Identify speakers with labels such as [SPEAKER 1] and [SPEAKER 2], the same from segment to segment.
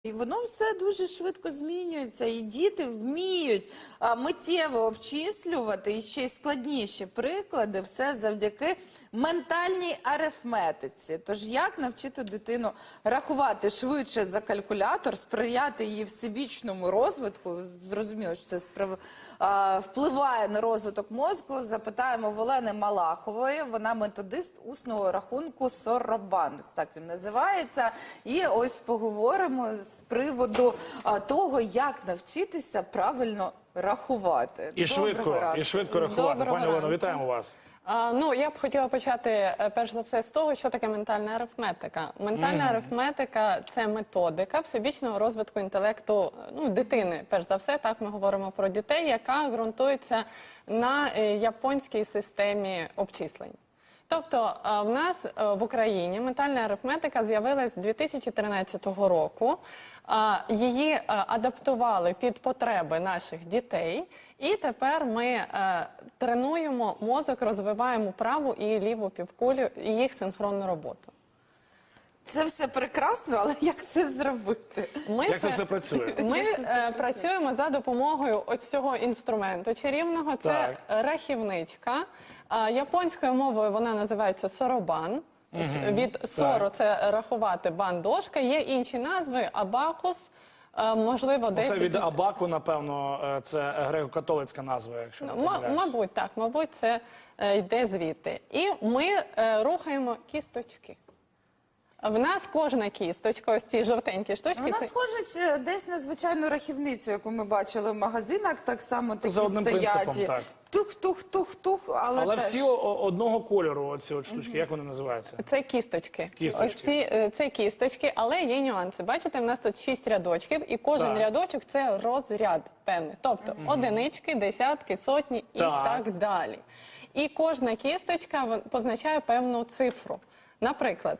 [SPEAKER 1] І воно все дуже швидко змінюється, і діти вміють миттєво обчислювати, і ще й складніші приклади, все завдяки ментальній арифметиці. Тож як навчити дитину рахувати швидше за калькулятор, сприяти її всебічному розвитку, зрозуміло, що це впливає на розвиток мозку, запитаємо в Олени Малахової, вона методист усного рахунку Сорабан, так він називається, і ось поговоримо з приводу того, як навчитися правильно рахувати.
[SPEAKER 2] І швидко рахувати. Пані Олено, вітаємо вас.
[SPEAKER 3] Ну, я б хотіла почати, перш за все, з того, що таке ментальна арифметика. Ментальна арифметика – це методика всебічного розвитку інтелекту дитини. Перш за все, так ми говоримо про дітей, яка ґрунтується на японській системі обчислень. Тобто в нас в Україні ментальна арифметика з'явилась з 2013 року. Її адаптували під потреби наших дітей. І тепер ми тренуємо мозок, розвиваємо праву і ліву півкулю і їх синхронну роботу.
[SPEAKER 1] Це все прекрасно, але як це зробити?
[SPEAKER 2] Як це все працює?
[SPEAKER 3] Ми працюємо за допомогою ось цього інструменту чарівного. Це рахівничка. Японською мовою вона називається Сорабан. Від сору це рахувати, бан дошка. Є інші назви – абакус. Можливо, десь...
[SPEAKER 2] Це від абаку, напевно, це греко-католицька назва, якщо не помиляюсь.
[SPEAKER 3] Мабуть, так. Мабуть, це йде звідти. І ми рухаємо кісточки. В нас кожна кісточка, ось ці жовтенькі штучки...
[SPEAKER 1] Вона схожа десь на звичайну рахівницю, яку ми бачили в магазинах, так само такі
[SPEAKER 2] за одним принципом, так.
[SPEAKER 1] Тух-тух-тух-тух,
[SPEAKER 2] але
[SPEAKER 1] теж...
[SPEAKER 2] всі одного кольору, оці от штучки, як вони називаються?
[SPEAKER 3] Це кісточки. Ось це кісточки, але є нюанси. Бачите, в нас тут 6 рядочків, і кожен рядочок – це розряд певний. Тобто одинички, десятки, сотні і так далі. І кожна кісточка позначає певну цифру. Наприклад,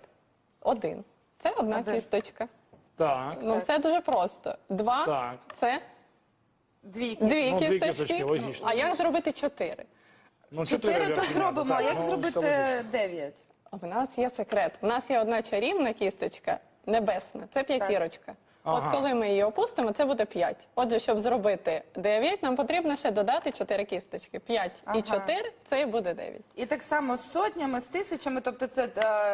[SPEAKER 3] 1 – це одна кісточка.
[SPEAKER 2] Так.
[SPEAKER 3] Ну, все дуже просто. 2 – це... Дві кісточки.
[SPEAKER 2] Логічно.
[SPEAKER 3] А як зробити 4?
[SPEAKER 2] Ну,
[SPEAKER 1] 4 то зробимо, а як зробити 9?
[SPEAKER 3] В нас є секрет. У нас є одна чарівна кісточка, небесна, це п'ятірочка. От коли ми її опустимо, це буде 5. Отже, щоб зробити 9, нам потрібно ще додати 4 кісточки. 5 і 4 – це і буде 9.
[SPEAKER 1] І так само з сотнями, з тисячами, тобто це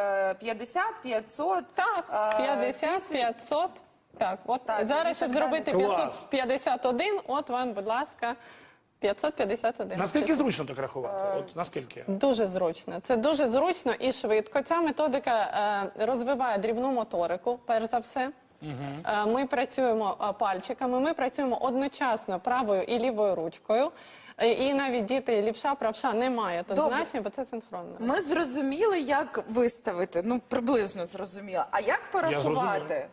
[SPEAKER 1] 50, 500...
[SPEAKER 3] Так, 50, 500... Так, от зараз, щоб зробити 551, от вам, будь ласка, 551.
[SPEAKER 2] Наскільки зручно так рахувати? От наскільки?
[SPEAKER 3] Дуже зручно. Це дуже зручно і швидко. Ця методика розвиває дрібну моторику, перш за все. Ми працюємо пальчиками, ми працюємо одночасно правою і лівою ручкою. І навіть діти лівша, правша немає тут значення, бо це синхронно.
[SPEAKER 1] Ми зрозуміли, як виставити, ну приблизно зрозуміло. А як порахувати?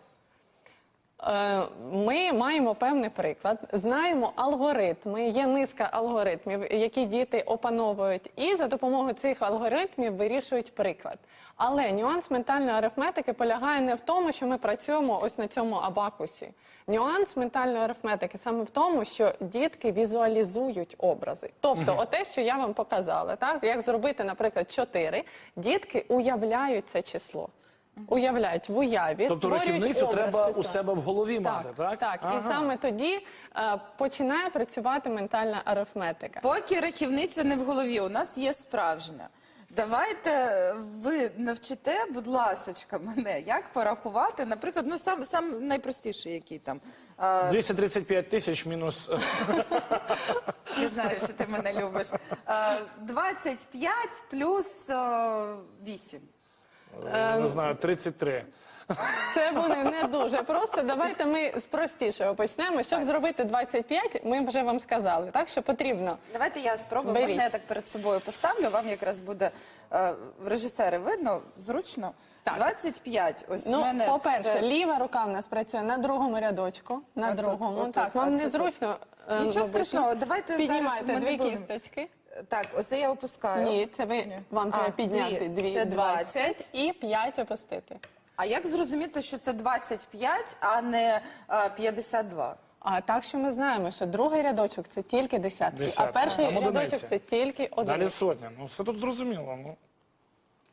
[SPEAKER 3] Ми маємо певний приклад, знаємо алгоритми, є низка алгоритмів, які діти опановують, і за допомогою цих алгоритмів вирішують приклад. Але нюанс ментальної арифметики полягає не в тому, що ми працюємо ось на цьому абакусі. Нюанс ментальної арифметики саме в тому, що дітки візуалізують образи. Тобто, оте, що я вам показала, так? Як зробити, наприклад, 4, дітки уявляють це число. Уявляють в уяві,
[SPEAKER 2] тобто рахівницю треба у себе в голові мати, так?
[SPEAKER 3] Так, і саме тоді починає працювати ментальна арифметика.
[SPEAKER 1] Поки рахівниця не в голові, у нас є справжня. Давайте ви навчите, будь ласочка, мене, як порахувати, наприклад, ну сам найпростіший, який там.
[SPEAKER 2] 235 тисяч мінус...
[SPEAKER 1] Я знаю, що ти мене любиш. 25 плюс 8.
[SPEAKER 2] Не знаю, 33.
[SPEAKER 3] Це буде не дуже просто. Давайте ми з простішого почнемо. Щоб зробити 25, ми вже вам сказали, так, що потрібно.
[SPEAKER 1] Давайте я спробую, можна я так перед собою поставлю, вам якраз буде, режисери, видно, зручно.
[SPEAKER 3] Так.
[SPEAKER 1] 25, ось
[SPEAKER 3] Ну,
[SPEAKER 1] в мене
[SPEAKER 3] по-перше, ліва рука в нас працює на другому рядочку, на другому. Так, вам незручно.
[SPEAKER 1] Нічого страшного, давайте
[SPEAKER 3] піднімайте дві кісточки.
[SPEAKER 1] Так, оце я опускаю.
[SPEAKER 3] Ні, це вам треба підняти 20 і 5 опустити.
[SPEAKER 1] А як зрозуміти, що це 25, а не 52?
[SPEAKER 3] А так, що ми знаємо, що другий рядочок – це тільки десятки, а перший рядочок – це тільки одиниці.
[SPEAKER 2] Далі сотня. Ну, все тут зрозуміло.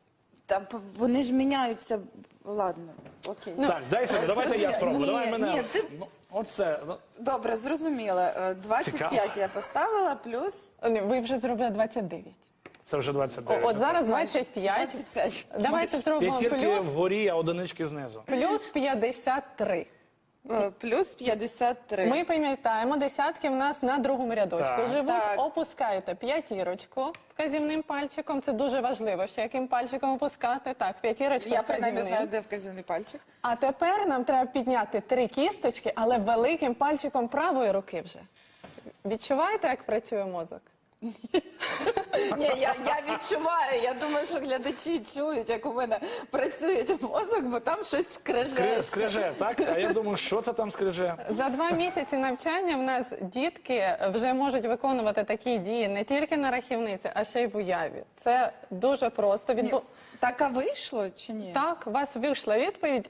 [SPEAKER 1] вони ж міняються. Ладно, окей.
[SPEAKER 2] Так, дай сюди, давайте я спробую.
[SPEAKER 1] Ні,
[SPEAKER 2] Давай мене.
[SPEAKER 1] ні, ти-
[SPEAKER 2] Ну, оце.
[SPEAKER 1] Добре, зрозуміла. 25
[SPEAKER 2] Цікаво.
[SPEAKER 1] я поставила, плюс
[SPEAKER 3] Ні, ви вже зробили 29.
[SPEAKER 2] Це вже 29.
[SPEAKER 3] От зараз 25.
[SPEAKER 1] 25.
[SPEAKER 3] Давайте зробимо
[SPEAKER 2] П'ятірки вгорі, а одинички знизу.
[SPEAKER 3] плюс 53.
[SPEAKER 1] Плюс 53.
[SPEAKER 3] Ми пам'ятаємо, десятки в нас на другому рядочку
[SPEAKER 2] Так.
[SPEAKER 3] живуть.
[SPEAKER 1] Так.
[SPEAKER 3] Опускаєте п'ятірочку вказівним пальчиком. Це дуже важливо, ще яким пальчиком опускати. Так, п'ятірочка
[SPEAKER 1] Я принаймні
[SPEAKER 3] вказівним.
[SPEAKER 1] знаю, де вказівний пальчик.
[SPEAKER 3] А тепер нам треба підняти 3 кісточки, але великим пальчиком правої руки вже. Відчуваєте, як працює мозок?
[SPEAKER 1] Ні, я відчуваю. Я думаю, що глядачі чують, як у мене працює мозок, бо там щось скреже.
[SPEAKER 2] Скриже, так? А я думаю, що це там скриже?
[SPEAKER 3] За 2 місяці навчання в нас дітки вже можуть виконувати такі дії не тільки на рахівниці, а ще й в уяві. Це дуже просто.
[SPEAKER 1] Так, а вийшло чи ні?
[SPEAKER 3] Так, у вас вийшла відповідь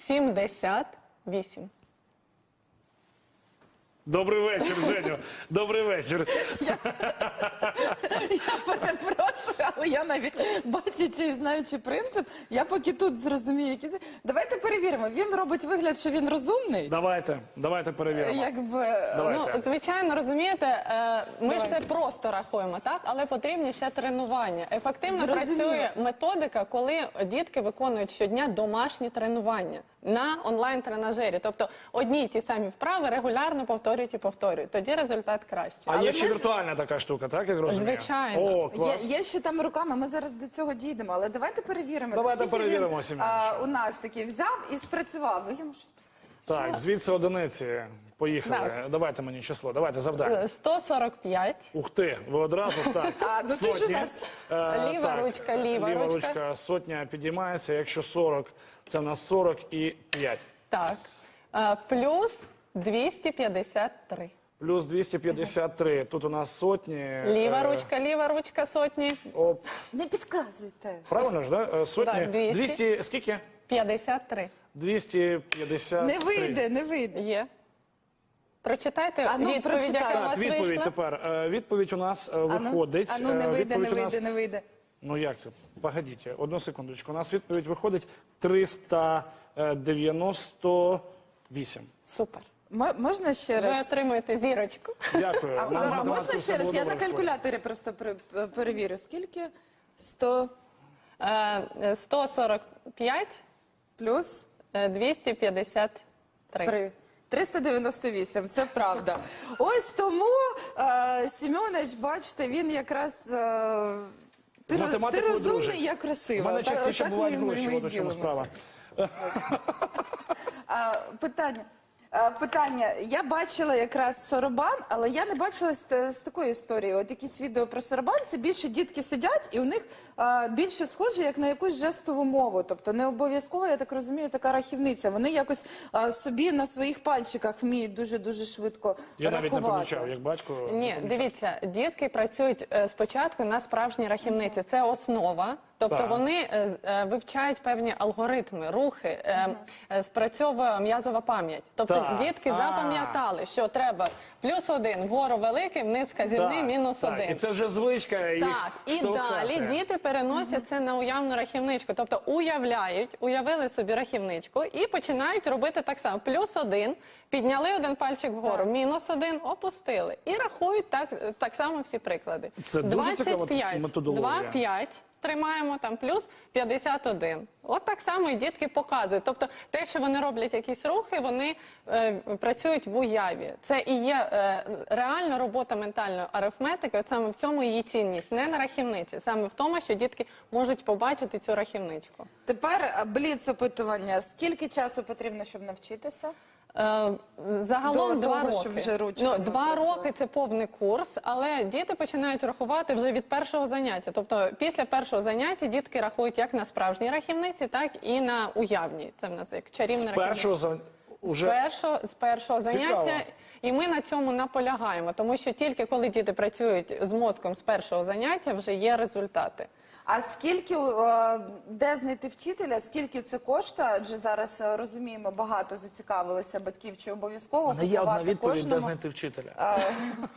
[SPEAKER 3] 78.
[SPEAKER 2] Добрий вечір, Женю. Добрий вечір.
[SPEAKER 1] Я перепрошую, але я навіть бачачи і знаючи принцип, я поки тут зрозумію, які це. Давайте перевіримо. Він робить вигляд, що він розумний.
[SPEAKER 2] Давайте перевіримо.
[SPEAKER 1] Якби
[SPEAKER 2] Давайте.
[SPEAKER 3] Ну, звичайно, розумієте, ми ж це просто рахуємо, так? Але потрібні ще тренування. Ефективно
[SPEAKER 1] Зрозуміло.
[SPEAKER 3] працює методика, коли дітки виконують щодня домашні тренування на онлайн-тренажері. Тобто одні й ті самі вправи регулярно повторюють і повторюють. Тоді результат кращий.
[SPEAKER 2] А є ще віртуальна така штука, так, як розумію?
[SPEAKER 3] Звичайно.
[SPEAKER 2] О, клас.
[SPEAKER 1] є ще там руками. Ми зараз до цього дійдемо, але давайте перевіримо.
[SPEAKER 2] Давайте
[SPEAKER 1] наскільки
[SPEAKER 2] перевіримо,
[SPEAKER 1] він,
[SPEAKER 2] Сім'янчик.
[SPEAKER 1] у нас такий взяв і спрацював. Ви йому щось
[SPEAKER 2] Так, звідси одиниці. Поїхали.
[SPEAKER 3] Так.
[SPEAKER 2] Давайте мені число. Давайте завдання.
[SPEAKER 3] 145.
[SPEAKER 2] Ух ти, ви одразу так.
[SPEAKER 1] А, ну ти ж у
[SPEAKER 2] Сотні.
[SPEAKER 1] нас
[SPEAKER 3] Ліва
[SPEAKER 2] Так,
[SPEAKER 3] ручка, ліва ручка.
[SPEAKER 2] ручка, сотня підіймається. Якщо 40, це в нас 45.
[SPEAKER 3] Так. Плюс 253.
[SPEAKER 2] Плюс 253. Тут у нас сотні.
[SPEAKER 3] Ліва ручка сотні.
[SPEAKER 2] Оп.
[SPEAKER 1] не підказуйте.
[SPEAKER 2] Правильно ж, да? Сотні.
[SPEAKER 3] Так, 200.
[SPEAKER 2] 200, скільки?
[SPEAKER 3] 53.
[SPEAKER 2] 253.
[SPEAKER 1] Не вийде, не вийде.
[SPEAKER 3] Є. Прочитайте
[SPEAKER 1] А ну,
[SPEAKER 3] відповідь,
[SPEAKER 1] прочитай.
[SPEAKER 3] яка у
[SPEAKER 2] Так,
[SPEAKER 3] вас
[SPEAKER 2] відповідь
[SPEAKER 3] вийшла.
[SPEAKER 2] тепер. Відповідь у нас виходить.
[SPEAKER 1] А ну не вийде, не
[SPEAKER 2] відповідь у нас-
[SPEAKER 1] вийде, не вийде.
[SPEAKER 2] Ну як це? Погодіть, одну секундочку. У нас відповідь виходить 398.
[SPEAKER 3] Супер.
[SPEAKER 1] Можна ще
[SPEAKER 3] Ви
[SPEAKER 1] раз?
[SPEAKER 3] отримуєте зірочку.
[SPEAKER 2] Дякую.
[SPEAKER 1] А,
[SPEAKER 2] Нам з
[SPEAKER 1] можна
[SPEAKER 2] математикою все
[SPEAKER 1] ще раз?
[SPEAKER 2] було
[SPEAKER 1] Я на
[SPEAKER 2] добре.
[SPEAKER 1] калькуляторі просто перевірю. Скільки? 100
[SPEAKER 3] 145,
[SPEAKER 1] плюс
[SPEAKER 3] 253.
[SPEAKER 1] 3. 398, це правда. Ось тому Сімеонич, бачите, він якраз ти
[SPEAKER 2] математикою
[SPEAKER 1] розумний,
[SPEAKER 2] дружить.
[SPEAKER 1] я
[SPEAKER 2] У
[SPEAKER 1] красива.
[SPEAKER 2] мене частіше
[SPEAKER 1] Так
[SPEAKER 2] бувають
[SPEAKER 1] ми
[SPEAKER 2] гроші,
[SPEAKER 1] і
[SPEAKER 2] от у чому
[SPEAKER 1] ділимося.
[SPEAKER 2] справа.
[SPEAKER 1] Питання. Я бачила якраз сорабан, але я не бачила з такої історії. От якісь відео про сорабан, це більше дітки сидять, і у них більше схоже, як на якусь жестову мову. Тобто не обов'язково, я так розумію, така рахівниця. Вони якось собі на своїх пальчиках вміють дуже-дуже швидко
[SPEAKER 2] Я навіть не
[SPEAKER 1] рахувати.
[SPEAKER 2] помічав, як батько. не
[SPEAKER 3] Ні,
[SPEAKER 2] помічав.
[SPEAKER 3] дивіться, дітки працюють спочатку на справжній рахівниці. Це основа. Тобто
[SPEAKER 2] Так.
[SPEAKER 3] вони вивчають певні алгоритми, рухи, спрацьовує м'язова пам'ять. Тобто
[SPEAKER 2] Так.
[SPEAKER 3] дітки запам'ятали, що треба +1 вгору великий, вниз вказівний,
[SPEAKER 2] Так,
[SPEAKER 3] -1.
[SPEAKER 2] так. І це вже звичка їх
[SPEAKER 3] Так, і
[SPEAKER 2] штовхати.
[SPEAKER 3] далі діти переносять це на уявну рахівничку. Тобто уявили собі рахівничку і починають робити так само. +1, підняли один пальчик вгору, -1, опустили. І рахують так само всі приклади.
[SPEAKER 2] Це дуже цікава
[SPEAKER 3] 25,
[SPEAKER 2] методологія.
[SPEAKER 3] 2, 5. Тримаємо там плюс 51. От так само і дітки показують. Тобто те, що вони роблять якісь рухи, вони працюють в уяві. Це і є реальна робота ментальної арифметики. От саме в цьому її цінність. Не на рахівниці, саме в тому, що дітки можуть побачити цю рахівничку.
[SPEAKER 1] Тепер бліц-опитування. Скільки часу потрібно, щоб навчитися?
[SPEAKER 3] Загалом
[SPEAKER 1] До
[SPEAKER 3] 2
[SPEAKER 1] того,
[SPEAKER 3] роки.
[SPEAKER 1] щоб вже ручками
[SPEAKER 3] 2
[SPEAKER 1] працювати.
[SPEAKER 3] роки – це повний курс, але діти починають рахувати вже від першого заняття. Тобто після першого заняття дітки рахують як на справжній рахівниці, так і на уявній. Це в нас як чарівна
[SPEAKER 2] З
[SPEAKER 3] рахівниця.
[SPEAKER 2] першого уже...
[SPEAKER 3] З першого заняття.
[SPEAKER 2] Цікаво.
[SPEAKER 3] І ми на цьому наполягаємо, тому що тільки коли діти працюють з мозком з першого заняття, вже є результати.
[SPEAKER 1] А скільки, де знайти вчителя, скільки це коштує? Адже зараз розуміємо, багато зацікавилося батьків, чи обов'язково
[SPEAKER 2] Не є одна
[SPEAKER 1] купувати
[SPEAKER 2] відповідь, де
[SPEAKER 1] кожному.
[SPEAKER 2] знайти вчителя.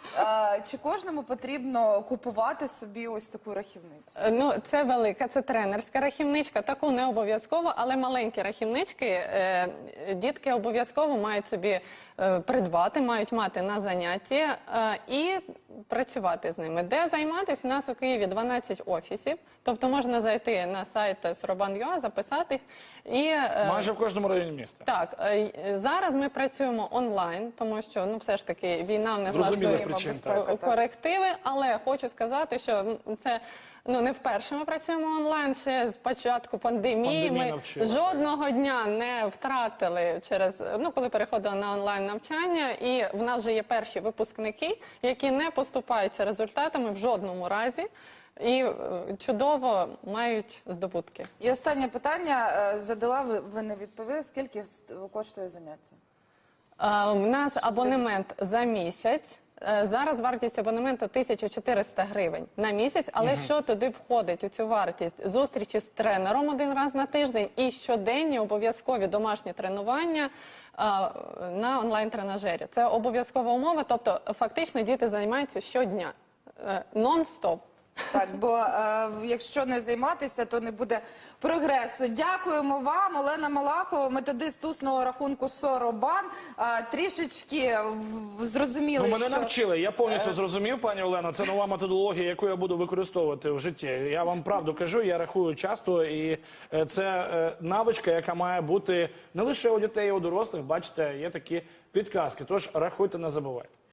[SPEAKER 1] Чи кожному потрібно купувати собі ось таку рахівницю?
[SPEAKER 3] Ну, це велика, це тренерська рахівничка, таку не обов'язково, але маленькі рахівнички дітки обов'язково мають собі придбати, мають мати на занятті і працювати з ними. Де займатися? У нас у Києві 12 офісів, тобто можна зайти на сайт Soroban.ua, записатись. І,
[SPEAKER 2] Майже в кожному районі міста.
[SPEAKER 3] так, зараз ми працюємо онлайн, тому що, ну, все ж таки, війна внесла
[SPEAKER 2] Зрозуміло
[SPEAKER 3] свої
[SPEAKER 2] причин,
[SPEAKER 1] так.
[SPEAKER 3] корективи, але хочу сказати, що це не вперше ми працюємо онлайн. Ще з початку пандемії
[SPEAKER 2] Пандемія
[SPEAKER 3] ми
[SPEAKER 2] навчила,
[SPEAKER 3] жодного дня не втратили коли переходили на онлайн навчання, і в нас вже є перші випускники, які не поступаються результатами в жодному разі. І чудово мають здобутки.
[SPEAKER 1] І останнє питання задала, ви не відповіли. Скільки коштує заняття?
[SPEAKER 3] У нас абонемент за місяць. Зараз вартість абонементу 1400 гривень на місяць, але що туди входить у цю вартість? Зустрічі з тренером один раз на тиждень і щоденні обов'язкові домашні тренування на онлайн-тренажері. Це обов'язкова умова, тобто фактично діти займаються щодня, нон-стоп.
[SPEAKER 1] Так, бо якщо не займатися, то не буде прогресу. Дякуємо вам, Олена Малахова, методист усного рахунку Соробан. Трішечки зрозуміли,
[SPEAKER 2] Ну, мене
[SPEAKER 1] що...
[SPEAKER 2] навчили, я повністю зрозумів, пані Олено, це нова методологія, яку я буду використовувати в житті. Я вам правду кажу, я рахую часто, і це навичка, яка має бути не лише у дітей, а й у дорослих. Бачите, є такі підказки, тож рахуйте, не забувайте.